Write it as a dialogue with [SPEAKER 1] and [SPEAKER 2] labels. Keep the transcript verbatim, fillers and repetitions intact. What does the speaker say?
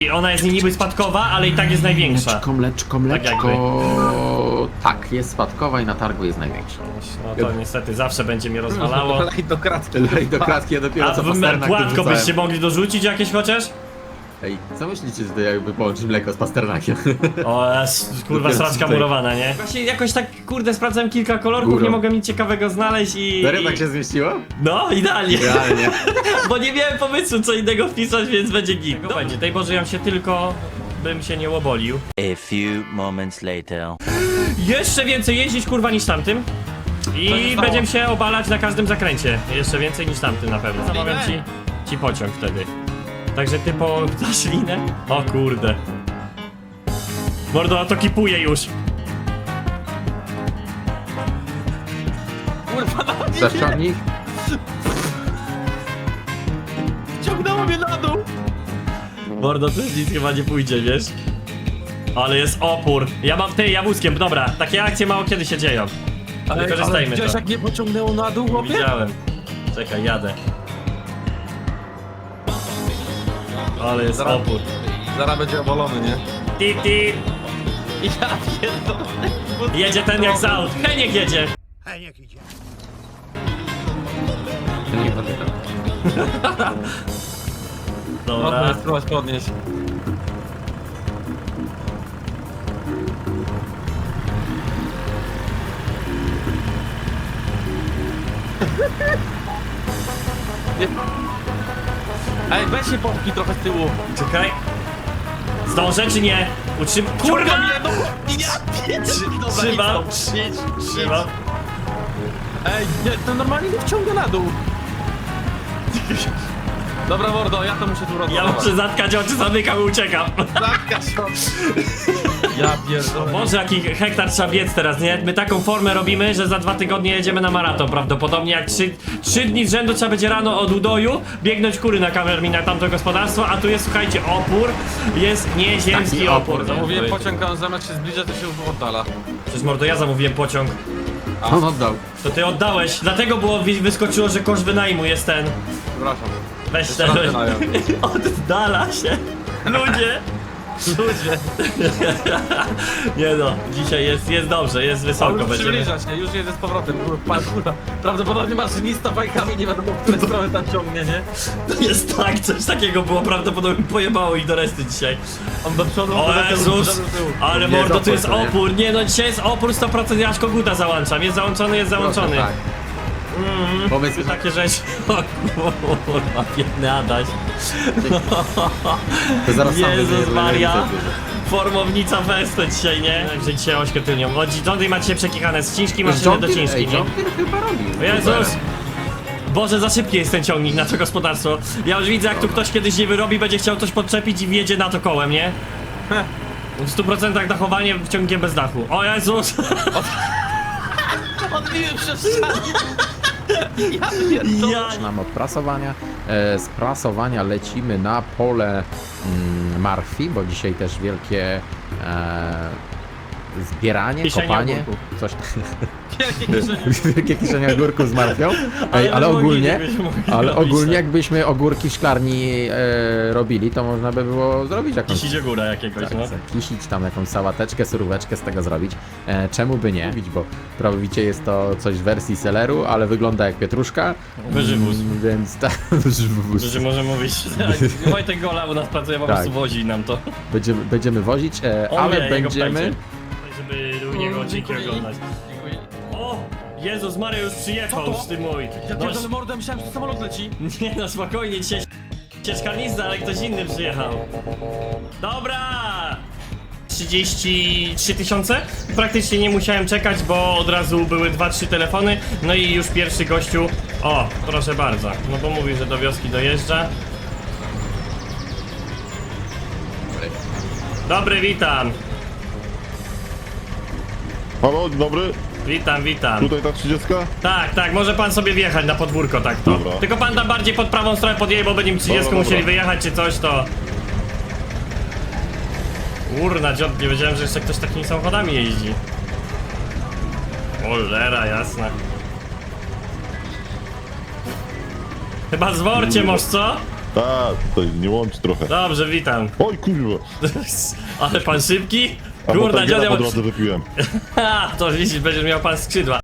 [SPEAKER 1] I ona jest niby spadkowa, ale i tak jest największa.
[SPEAKER 2] Mleczko, mleczko, mleczko. Tak, tak, jest spadkowa i na targu jest największa.
[SPEAKER 1] No to niestety zawsze będzie mnie rozwalało.
[SPEAKER 3] Lej do kratki.
[SPEAKER 2] Lej do kratki, ja dopiero
[SPEAKER 1] A
[SPEAKER 2] co
[SPEAKER 1] w
[SPEAKER 2] Pasternak
[SPEAKER 1] płatko
[SPEAKER 2] wyrzucałem.
[SPEAKER 1] byście mogli dorzucić jakieś chociaż?
[SPEAKER 2] Ej, co myślicie, że to jakby połączyć mleko z Pasternakiem?
[SPEAKER 1] O, jas, kurwa,
[SPEAKER 2] Dopiero
[SPEAKER 1] sraczka
[SPEAKER 2] tutaj.
[SPEAKER 1] murowana, nie? Właśnie jakoś tak, kurde, sprawdzałem kilka kolorków,
[SPEAKER 2] Górą.
[SPEAKER 1] nie mogłem nic ciekawego znaleźć i...
[SPEAKER 2] Serio
[SPEAKER 1] i...
[SPEAKER 2] tak się zmieściło?
[SPEAKER 1] No, idealnie.
[SPEAKER 2] Realnie.
[SPEAKER 1] Bo nie miałem pomysłu, co innego wpisać, więc będzie git. No będzie, tej Boże, ja się tylko... bym się nie łobolił.
[SPEAKER 4] A few moments later.
[SPEAKER 1] Jeszcze więcej jeździć, kurwa, niż tamtym. I będziemy się obalać na każdym zakręcie. Jeszcze więcej niż tamtym na pewno. Zamawiam ci, ci pociąg wtedy. Także ty po dasz linę? O kurde. Mordo, a to kipuje już.
[SPEAKER 3] Kurwa, no
[SPEAKER 2] Zaszczałnik?
[SPEAKER 3] ciągnęło mnie na dół.
[SPEAKER 1] Mordo, to nic chyba nie pójdzie, wiesz? Ale jest opór. Ja mam ty, ja wózkiem, dobra. Takie akcje mało kiedy się dzieją.
[SPEAKER 3] Ale, ale
[SPEAKER 1] Wykorzystajmy
[SPEAKER 3] widziałeś
[SPEAKER 1] to.
[SPEAKER 3] jak mnie pociągnęło na dół,
[SPEAKER 1] Nie
[SPEAKER 3] chłopie?
[SPEAKER 1] widziałem. Czekaj, jadę. Ale jest
[SPEAKER 3] Zaraz-
[SPEAKER 1] opór.
[SPEAKER 3] Zaraz będzie obalony, nie?
[SPEAKER 1] Ti, ti.
[SPEAKER 3] Ja pierdolę.
[SPEAKER 1] Jedzie ten jak z aut. Heniek jedzie.
[SPEAKER 2] Nie pamiętam.
[SPEAKER 3] Dobra,
[SPEAKER 1] Dobra.
[SPEAKER 3] spróbować podnieść. Nie. Ej, weź się popchnij trochę z tyłu.
[SPEAKER 1] Czekaj. Zdążę czy nie? Utrzym... Kurwa!
[SPEAKER 3] Ciąga mnie, no ja pierdolę.
[SPEAKER 1] Trzymam. Trzymam.
[SPEAKER 3] Ej, nie, to normalnie mnie wciąga na dół. Dobra, Mordo, ja to muszę tu
[SPEAKER 1] Ja
[SPEAKER 3] rozmawiać.
[SPEAKER 1] muszę zatkać oczy, zamykam i uciekam.
[SPEAKER 3] Ja pierdolę.
[SPEAKER 1] Boże, jaki hektar trzeba biec teraz, nie? My taką formę robimy, że za dwa tygodnie jedziemy na maraton prawdopodobnie. Jak trzy, trzy dni z rzędu trzeba będzie rano od Udoju biegnąć kury na kamermi na tamto gospodarstwo, a tu jest, słuchajcie, opór. Jest nieziemski
[SPEAKER 2] Taki
[SPEAKER 1] opór.
[SPEAKER 2] opór,
[SPEAKER 1] nie?
[SPEAKER 3] Mówiłem pociąg, a on zamiast się zbliża, to się oddala.
[SPEAKER 1] Przecież mordo, ja zamówiłem pociąg.
[SPEAKER 2] On oddał.
[SPEAKER 1] To ty oddałeś, dlatego było wy- wyskoczyło, że koszt wynajmu jest ten.
[SPEAKER 3] Przepraszam.
[SPEAKER 1] Weź
[SPEAKER 3] Jeszcze
[SPEAKER 1] ten.
[SPEAKER 3] raz wynajem.
[SPEAKER 1] Oddala się. Ludzie.
[SPEAKER 3] Ludzie.
[SPEAKER 1] Nie no, dzisiaj jest, jest dobrze, jest wysoko.
[SPEAKER 3] On
[SPEAKER 1] Będziemy.
[SPEAKER 3] przybliża się, już jedzie z powrotem. Pan, kurwa, prawdopodobnie maszynista bajkami nie wiadomo, w które strony tam ciągnie, nie?
[SPEAKER 1] To jest tak, coś takiego było, prawdopodobnie pojebało ich do reszty dzisiaj.
[SPEAKER 3] On do przodu,
[SPEAKER 1] O
[SPEAKER 3] on do tyłu,
[SPEAKER 1] Jezus,
[SPEAKER 3] do tyłu.
[SPEAKER 1] ale
[SPEAKER 2] Nie
[SPEAKER 1] mordo,
[SPEAKER 2] jest
[SPEAKER 1] tu jest
[SPEAKER 2] opór, to nie?
[SPEAKER 1] opór. Nie no, dzisiaj jest opór sto procent, ja aż koguta załączam. Jest załączony, jest załączony.
[SPEAKER 2] Tak. Pomysł
[SPEAKER 1] Tu takie rzeczy. O kurwa, biedny Adaś.
[SPEAKER 2] to zaraz sam
[SPEAKER 1] Jezus
[SPEAKER 2] wyjdzie,
[SPEAKER 1] Maria.
[SPEAKER 2] żeby nie
[SPEAKER 1] Formownica festo dzisiaj, nie? Także dzisiaj ośkę tylnią. Od Johnny macie przekichane z ciężki
[SPEAKER 2] widzę.
[SPEAKER 1] maszyny do
[SPEAKER 2] John
[SPEAKER 1] ciężki,
[SPEAKER 2] Deere- Ej,
[SPEAKER 1] nie?
[SPEAKER 2] John Deere chyba robił.
[SPEAKER 1] Jezus! Boże, za szybki jest ten ciągnik na to gospodarstwo. Ja już widzę, jak tu ktoś kiedyś nie wyrobi, będzie chciał coś podczepić i wjedzie na to kołem, nie? W stu procentach dachowanie ciągiem bez dachu. O Jezus!
[SPEAKER 3] Odbiłem przez ścianę. Ja pierdolę.
[SPEAKER 1] Ja...
[SPEAKER 2] Zaczynamy od prasowania. E, z prasowania lecimy na pole mm, marchwi, bo dzisiaj też wielkie e, zbieranie,
[SPEAKER 1] Kieszenie
[SPEAKER 2] kopanie,
[SPEAKER 1] ogórków.
[SPEAKER 2] coś
[SPEAKER 3] Wielkie kieszenie.
[SPEAKER 2] wielkie kieszenie ogórków z marchwią. Ej, ale
[SPEAKER 1] Ale
[SPEAKER 2] ogólnie,
[SPEAKER 1] mogli, byśmy mogli
[SPEAKER 2] ale
[SPEAKER 1] robić,
[SPEAKER 2] ogólnie
[SPEAKER 1] tak.
[SPEAKER 2] jakbyśmy ogórki w szklarni e, robili, to można by było zrobić jakąś
[SPEAKER 1] Kisić góra jakiegoś,
[SPEAKER 2] tak,
[SPEAKER 1] no.
[SPEAKER 2] zakisić tam jakąś sałateczkę, suróweczkę z tego zrobić. E, czemu by nie? Bo prawicie jest to coś w wersji seleru, ale wygląda jak pietruszka.
[SPEAKER 1] Wyżywóz.
[SPEAKER 2] Mm, Więc tak, wyżywóz.
[SPEAKER 1] Że może mówić, Wojtek Gola u nas pracuje, po
[SPEAKER 2] Tak.
[SPEAKER 1] prostu wozi nam to.
[SPEAKER 2] Będziemy, będziemy wozić, e,
[SPEAKER 1] On
[SPEAKER 2] ale
[SPEAKER 1] wie, jego
[SPEAKER 2] będziemy...
[SPEAKER 1] ptajcie. Żeby u niego odcinki oglądać. O! Jezus Maria już przyjechał
[SPEAKER 3] Co to?
[SPEAKER 1] z tym mój.
[SPEAKER 3] Ja
[SPEAKER 1] No,
[SPEAKER 3] pierdolę mordę, myślałem, że samolot leci.
[SPEAKER 1] nie no, spokojnie, dzisiaj ciężkarnista, ale ktoś inny przyjechał. Dobra! trzydzieści trzy tysiące? Praktycznie nie musiałem czekać, bo od razu były dwa trzy telefony. No i już pierwszy gościu. O, proszę bardzo. No bo mówi, że do wioski dojeżdża. Dobry, witam.
[SPEAKER 5] Halo, dzień dobry,
[SPEAKER 1] Witam, witam.
[SPEAKER 5] tutaj ta trzydziestka?
[SPEAKER 1] Tak, tak, może pan sobie wjechać na podwórko, tak to.
[SPEAKER 5] Dobra.
[SPEAKER 1] Tylko pan tam bardziej pod prawą stronę podjedzie, bo będziemy trzydziestką
[SPEAKER 5] Dobra,
[SPEAKER 1] musieli
[SPEAKER 5] dobra.
[SPEAKER 1] wyjechać czy coś, to... Urna, dziot, nie wiedziałem, że jeszcze ktoś takimi samochodami jeździ. Cholera, jasna. Chyba zworcie, może co?
[SPEAKER 5] Tak, tutaj nie łączy trochę.
[SPEAKER 1] Dobrze, witam.
[SPEAKER 5] Oj kurwa,
[SPEAKER 1] Ale pan szybki?
[SPEAKER 5] a
[SPEAKER 1] Kurna,
[SPEAKER 5] bo
[SPEAKER 1] dziadia...
[SPEAKER 5] po drodze wypiłem.
[SPEAKER 1] Ha, to widzisz, będziesz miał pan skrzydła.